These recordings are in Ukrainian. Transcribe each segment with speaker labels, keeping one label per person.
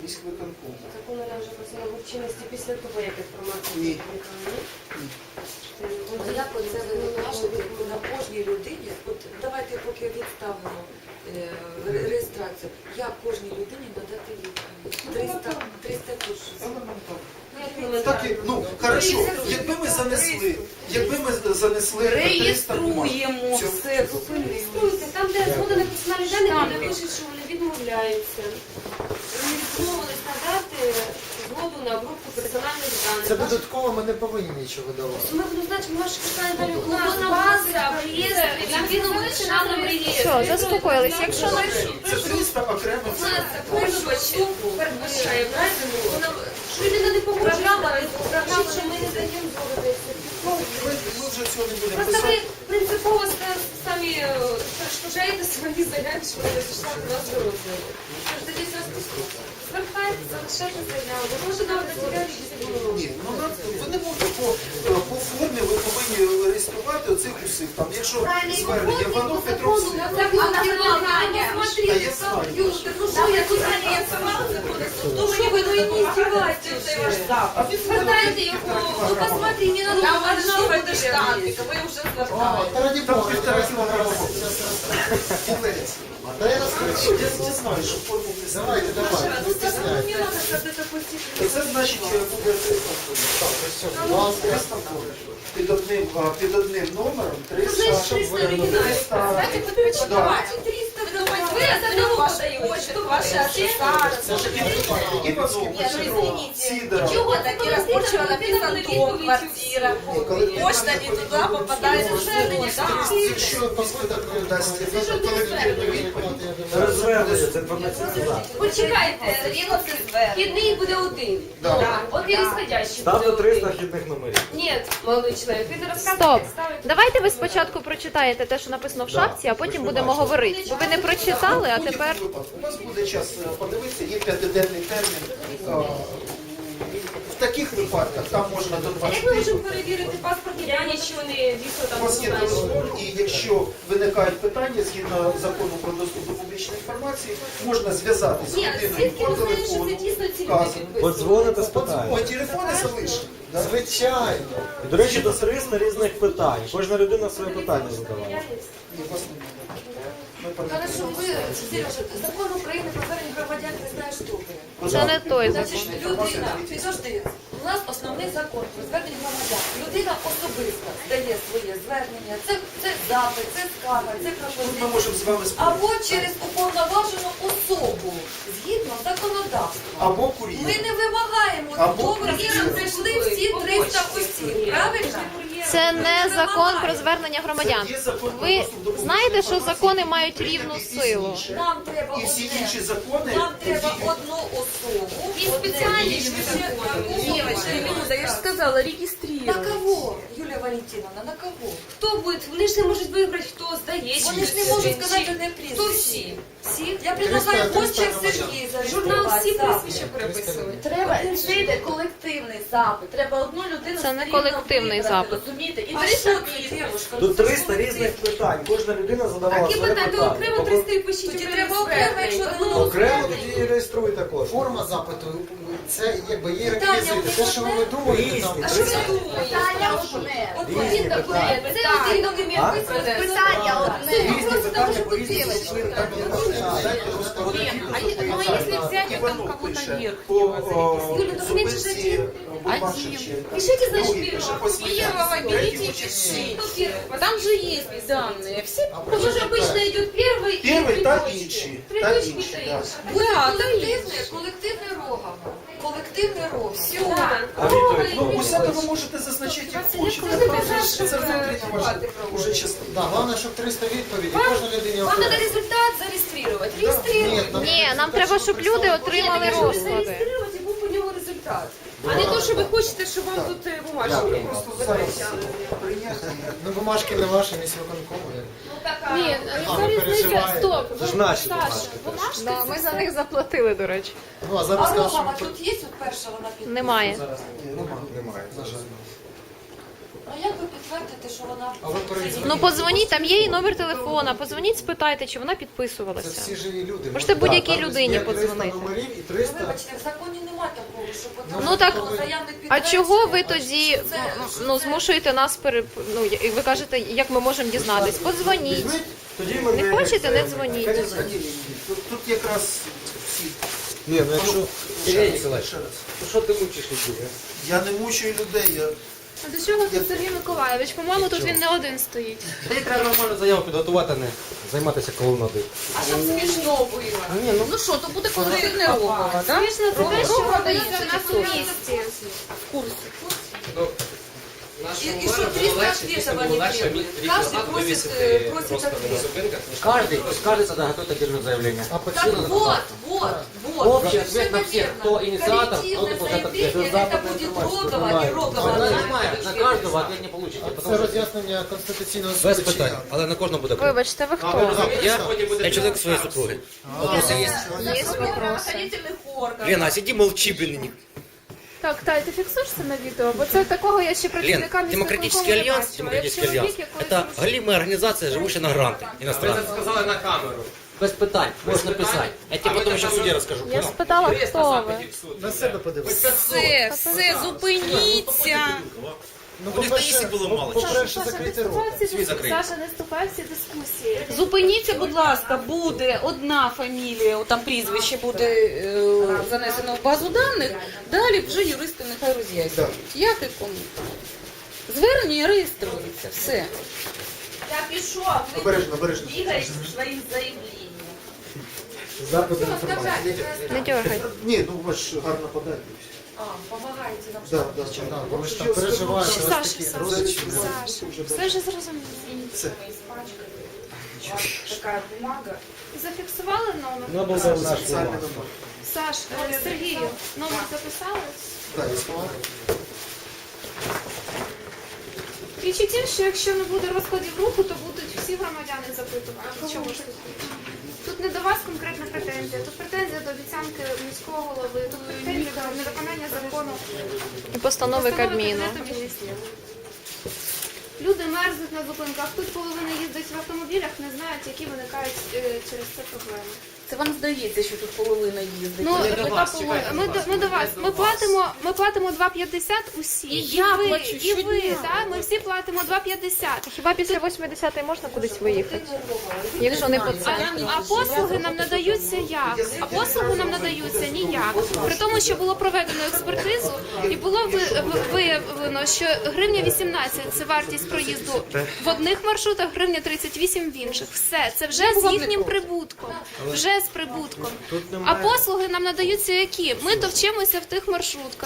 Speaker 1: Міськвиконкому.
Speaker 2: Закон вже просила в чинності після того, як інформація
Speaker 1: Ні.
Speaker 2: опублікована.
Speaker 3: Як оце ви кажете на кожній людині? От давайте поки відставимо реєстрацію. Як кожній людині надати відповідь? 300 курсів.
Speaker 1: Так, ну, хорошо, якби ми занесли 300 бумаг.
Speaker 4: Реєструємо все.
Speaker 2: Реєструйте. Там, де згода на персональні дані, вони пишуть, що вони відмовляються. Вони відмовились надати згоду на обробку персональних даних.
Speaker 5: Це додатково ми не повинні нічого давати.
Speaker 2: Ми будемо знати, що ваші персональні дані у нас база, в реєстрі, на національному реєстрі.
Speaker 6: Що, заспокоїлись? Якщо ми...
Speaker 1: Це 300 окремих.
Speaker 2: У нас передбачає що людина не погоджувала, що ми не даємо згоду.
Speaker 1: Ми вже цього не будемо
Speaker 2: Просто ви
Speaker 1: писати.
Speaker 2: принципово самі перешкоджаєте свої заявки, що ви зайшла до нас до розгляду. Тож тоді звертайтеся, залишайте заяву. Ви можете давати заявки без
Speaker 1: Ні, ну ви не можете по формі, ви повинні реєструвати оцих усіх. Там, якщо звернення Іванов, Петровський.
Speaker 2: Что вы, ну и не издевайтесь. Звертайте його, ну посмотри, не надо
Speaker 4: Это штампика, ви вже звертали.
Speaker 5: Та раді
Speaker 1: Там
Speaker 5: Бога,
Speaker 1: 1,5 кілограма. Кілець.
Speaker 5: Та я розкажу.
Speaker 1: Я не знаю, що форму не знаю.
Speaker 5: Давайте, не стесняйтесь.
Speaker 1: Це значить, буде 300 під одним номером 300.
Speaker 2: Кстати, подпочитайте 300, вы от одного подаете.
Speaker 4: Ваші асоціації.
Speaker 1: Іванов, Петров, Сидоров.
Speaker 4: Чого такі розпочали написано дом, квартира. Почта не туди попадає у звернення.
Speaker 5: Якщо попиток дасть відповідь,
Speaker 7: Розвернення, це інформаційний запит.
Speaker 2: Почекайте, вхідний буде один. От і розходящий
Speaker 7: Ставте
Speaker 2: буде
Speaker 7: 300
Speaker 2: один.
Speaker 7: вхідних номерів.
Speaker 2: Ні, молодий чоловік, ви не розказуєте,
Speaker 6: Стоп.
Speaker 2: як ставити.
Speaker 6: Давайте ви спочатку прочитаєте те, що написано в шапці, а потім будемо говорити. Бо ви не прочитали, а тепер...
Speaker 1: У вас буде час подивитися, є 5-денний термін. В таких випадках там можна до
Speaker 2: А
Speaker 1: 20
Speaker 2: як ми можемо перевірити паспорт? Я нічого не дійсно
Speaker 1: У
Speaker 2: там
Speaker 1: вас
Speaker 2: не
Speaker 1: є
Speaker 2: знаю.
Speaker 1: телефон, і якщо виникають питання згідно закону про доступ до публічної інформації, можна зв'язатися з
Speaker 2: Ні,
Speaker 1: людиною
Speaker 2: звідки
Speaker 1: по
Speaker 2: ви знаєте, що
Speaker 1: телефону.
Speaker 2: це дійсно ці люди
Speaker 1: вказано.
Speaker 2: підписують?
Speaker 7: Подзвоните,
Speaker 1: О,
Speaker 7: спитаєте.
Speaker 1: телефони залишені. да?
Speaker 5: звичайно.
Speaker 7: І, до речі, до 300 різних питань. Кожна людина своє питання задавала.
Speaker 1: Ні, вас немає. Ми
Speaker 3: Хорошо,
Speaker 1: пам'ятаємо.
Speaker 3: ви, Сережа, закон України про звернення громадян не знаєш добре.
Speaker 6: Це не той закон.
Speaker 3: Значить, людина, підожди, у нас основний закон про звернення громадян. Людина особисто здає своє звернення, це запит, це скарга, це
Speaker 1: Ми
Speaker 3: пропозиція.
Speaker 1: можемо з вами спробувати.
Speaker 3: Або через уповноважену особу, згідно законодавства.
Speaker 1: Або кур'єр.
Speaker 3: Ми не вимагаємо,
Speaker 1: Або
Speaker 3: добре, щоб прийшли всі 300 осіб, правильно?
Speaker 6: Це не закон про звернення громадян.
Speaker 1: Це є закон про
Speaker 6: Ви
Speaker 1: доступ до
Speaker 6: знаєте, що
Speaker 1: публічної
Speaker 6: закони
Speaker 1: інформації.
Speaker 6: мають рівну силу.
Speaker 3: Нам треба
Speaker 1: І всі
Speaker 3: одне.
Speaker 1: інші закони
Speaker 3: Нам треба
Speaker 1: діють.
Speaker 3: одну особу.
Speaker 2: І спеціальні ж
Speaker 4: Минута, я ж сказала,
Speaker 3: На
Speaker 4: реєструвати.
Speaker 3: кого, Юлія Валентиновна, на кого?
Speaker 2: Хто буде? Вони ж не можуть вибрати, хто здає.
Speaker 3: Вони ж не можуть сказати одне прізвище.
Speaker 2: Хто всі? Всі?
Speaker 3: Я предлагаю
Speaker 5: 300
Speaker 3: Костя Сергій
Speaker 2: Журнал
Speaker 3: зареєструвати
Speaker 2: всі
Speaker 3: запит.
Speaker 2: прізвища переписують.
Speaker 4: Треба, це йде колективний запит. Треба одну людину
Speaker 6: Це не
Speaker 4: все рівно
Speaker 6: колективний
Speaker 4: вибрати,
Speaker 6: запит.
Speaker 4: розумієте? І
Speaker 3: А
Speaker 4: 300
Speaker 3: що ти,
Speaker 4: підписів.
Speaker 3: дівушка?
Speaker 7: Тут 300 різних питань. Кожна людина задавала
Speaker 2: Такі
Speaker 7: своє
Speaker 2: питання, то
Speaker 7: питання.
Speaker 2: окремо 300 і пишіть.
Speaker 3: Тоді
Speaker 2: окремо
Speaker 3: треба окремо, якщо
Speaker 2: звернення.
Speaker 3: воно
Speaker 5: Окремо тоді реєструйте кожен. Форма запиту, це якби є реквізити. Те, що ви думаєте, там...
Speaker 2: А що ви думаєте?
Speaker 4: Питання одне.
Speaker 3: От
Speaker 7: Різні
Speaker 3: він такий,
Speaker 7: питання.
Speaker 3: це один документ
Speaker 7: А?
Speaker 3: виписаний.
Speaker 4: Питання одне.
Speaker 5: Різні питання по різні причини. Так не можна. Дайте просто
Speaker 1: Іванов пише по особисті Бумашевичі.
Speaker 2: Пишите, значит,
Speaker 1: Другий пише по Смілянську, третій по Чернігівську.
Speaker 2: Кто первый?
Speaker 4: Там же есть данные. Все
Speaker 2: Потому что обычно идет первый
Speaker 1: Первый
Speaker 2: и
Speaker 1: та
Speaker 2: придочки.
Speaker 1: інші. Та
Speaker 2: Придочки
Speaker 1: інші,
Speaker 2: та
Speaker 1: да.
Speaker 2: інші.
Speaker 3: Буде колективне рогом. Колективне рогом.
Speaker 2: Да.
Speaker 7: А відповідь?
Speaker 1: Ну, у себе ви можете зазначити, як хочете. Це внутрішня ваша уже частина.
Speaker 5: Да, головне, щоб 300 відповідей, кожна людині
Speaker 2: Вам надо
Speaker 5: окремо.
Speaker 2: результат зарегистрировать. Регистрировать.
Speaker 6: Ні, нам треба, щоб люди отримали розклади.
Speaker 2: Зарегистрировать и був по ньому результат. А не то, що ви хочете, щоб вам тут бумажки
Speaker 1: Просто зараз
Speaker 2: витрачали.
Speaker 1: прийняти.
Speaker 5: Ну, бумажки не ваші, міськвиконкому.
Speaker 2: Ні,
Speaker 5: А, ви переживаєте.
Speaker 7: Це ж наші бумажки.
Speaker 6: Да, ми за них заплатили, до речі.
Speaker 5: Ну, а зараз
Speaker 3: А
Speaker 5: скажемо,
Speaker 3: рогова тут є от перша вона підписана?
Speaker 6: Немає.
Speaker 5: немає, на жаль.
Speaker 3: Ну як ви підтвердите, що вона...
Speaker 5: А ви передзвоніть.
Speaker 6: Ну подзвоніть, там є її номер телефона, подзвоніть, спитайте, чи вона
Speaker 5: Це
Speaker 6: підписувалася.
Speaker 5: всі живі люди.
Speaker 6: Можете будь-якій
Speaker 5: там
Speaker 6: людині
Speaker 5: є 300
Speaker 6: подзвонити.
Speaker 5: номерів і
Speaker 3: Ну,
Speaker 5: 300.
Speaker 3: вибачте, в законі немає такого, що
Speaker 6: Ну, так,
Speaker 3: заявник
Speaker 6: А чого ви
Speaker 3: підтверджує,
Speaker 6: тоді
Speaker 3: що
Speaker 6: ну, змушуєте нас ну, і ви кажете, як ми можемо дізнатись? Подзвоніть.
Speaker 5: Візьміть,
Speaker 7: Тоді ми
Speaker 6: Не хочете, не дзвоніть.
Speaker 1: Тут якраз всі.
Speaker 7: Ні, ну якщо
Speaker 8: Ілля Ніколаївич,
Speaker 1: Ще раз.
Speaker 8: ну що ти мучиш людей?
Speaker 1: Я не мучую людей, я
Speaker 2: А до чого тут Сергій Миколаївич? По-моєму, тут він не один стоїть.
Speaker 8: Та їй треба нормально заяву підготувати, а не займатися колонадою.
Speaker 4: А щоб смішно було.
Speaker 8: Ні, ну
Speaker 4: Ну що, то буде колективне рухова, так?
Speaker 2: Смішно це те, що
Speaker 4: Рухова
Speaker 2: робиться
Speaker 4: дається
Speaker 2: в нас у місті.
Speaker 4: в курсі.
Speaker 3: И что 300 ответов они требуют. Каждый просит ответ.
Speaker 8: Каждый тогда готовит отдельное заявление.
Speaker 5: а
Speaker 3: Так
Speaker 5: почему?
Speaker 3: вот.
Speaker 8: Общий
Speaker 3: Совершенно
Speaker 8: ответ на всех,
Speaker 3: верно.
Speaker 8: кто инициатор, тот и
Speaker 3: Коллективное
Speaker 8: получает ответ.
Speaker 3: заявление, это будет рогово и рогово.
Speaker 8: Вона знімає, на кожного ответ не получите.
Speaker 5: Це
Speaker 8: Потому що
Speaker 5: роз'яснення Конституційного
Speaker 8: без
Speaker 5: суду.
Speaker 8: питань, але на кожного буде окремо.
Speaker 6: Вибачте, ви хто?
Speaker 8: Я чоловік своєї супруги. Вопроси є?
Speaker 6: Є вопроси.
Speaker 4: Правоохранительных органов.
Speaker 8: Лена, сиди молчи, блин.
Speaker 2: Так, Тай, ти фіксуєш це на відео? Бо це такого я ще
Speaker 8: Лен,
Speaker 2: працівника
Speaker 8: Демократический альянс, Демократический альянс, это галимая организация, живущая на гранты иностранные.
Speaker 9: Сказали на камеру.
Speaker 8: Без питань, можешь написать. Я тебе потом еще в суде расскажу.
Speaker 6: Я спитала, хто ви.
Speaker 5: На себе подивитися.
Speaker 4: Все, зупиніться.
Speaker 5: Ну, по-перше, по-перше, закрити рот.
Speaker 2: Саша, не вступай в ці дискусії.
Speaker 4: Зупиніться, будь ласка, буде одна фамілія, там прізвище буде занесено в базу даних, далі вже юристи нехай роз'яснюють. Як і кому. Звернення реєструється, все. Я пішов,
Speaker 1: обережно, обережно.
Speaker 4: бігаєш своїм заявленням.
Speaker 5: Запит інформації.
Speaker 6: Не дергайте.
Speaker 1: Ні, ну ви ж гарно подати.
Speaker 3: Помогайте нам.
Speaker 1: Да, да.
Speaker 5: Да, бо ви ж там переживаєте, у вас такі
Speaker 2: Саша,
Speaker 5: розрізки.
Speaker 2: все ж зрозуміло.
Speaker 1: Все.
Speaker 4: Така бумага.
Speaker 2: Зафіксували номер?
Speaker 7: Набув за наш
Speaker 1: Самі
Speaker 7: номер.
Speaker 1: номер.
Speaker 2: Саш, Сергію, номер записали?
Speaker 1: Так, я сказав.
Speaker 2: Річ у тім, що якщо не буде розкладів руху, то будуть всі громадяни запитувати. Чому ж тут? Тут не до вас конкретна претензія, тут претензія до обіцянки міського голови, тут претензія до невиконання закону.
Speaker 6: І постанови Кабміну.
Speaker 2: Кабінету Міністрів. Люди мерзнуть на зупинках, тут половина їздить в автомобілях, не знають, які виникають через це проблеми.
Speaker 4: Це вам здається, що тут половина їздить.
Speaker 2: Ну, ми до вас. Ми платимо 2,50 усі.
Speaker 4: І я
Speaker 2: ви,
Speaker 4: плачу
Speaker 2: і ви,
Speaker 4: щодня.
Speaker 2: так? Ми всі платимо 2,50.
Speaker 6: Хіба після 80-ї можна кудись виїхати? Якщо не по це.
Speaker 2: А послуги нам надаються як? А послуги нам надаються ніяк. При тому, що було проведено експертизу і було виявлено, що гривня 18 – це вартість проїзду в одних маршрутах, гривня 38 в інших. Все, це вже з їхнім прибутком. Вже з прибутком. А послуги нам надаються які? Ми товчимося в тих маршрутках.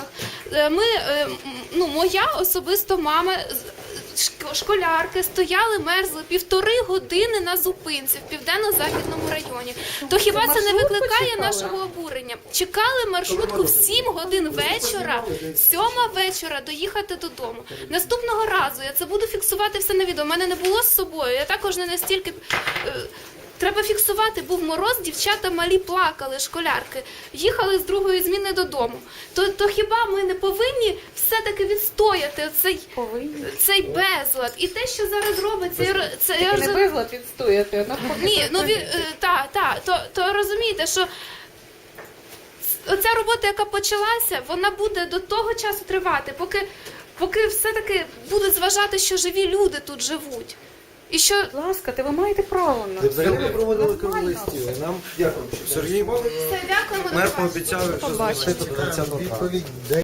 Speaker 2: Моя особисто мама, школярки стояли, мерзли 1,5 години на зупинці в Південно-Західному районі. То хіба це не викликає нашого обурення? Чекали маршрутку в 7 годин вечора, 7 вечора доїхати додому. Наступного разу я це буду фіксувати все на відео. У мене не було з собою, я також не настільки... Треба фіксувати, був мороз, дівчата малі плакали, школярки, їхали з другої зміни додому. То хіба ми не повинні все-таки відстояти цей безлад? І те, що зараз робиться, це
Speaker 4: Не безлад відстояти,
Speaker 2: ні, то розумієте, що оця робота, яка почалася, вона буде до того часу тривати, поки все-таки будуть зважати, що живі люди тут живуть. І що
Speaker 4: Будь ласка, ви маєте право на
Speaker 7: Взагалі ми проводили круглий стіл. І нам
Speaker 1: Дякую.
Speaker 7: Сергій
Speaker 2: все, дякуємо. до
Speaker 7: мер
Speaker 2: побачення.
Speaker 7: пообіцяв, що знайшли до 20-го.
Speaker 5: Відповідь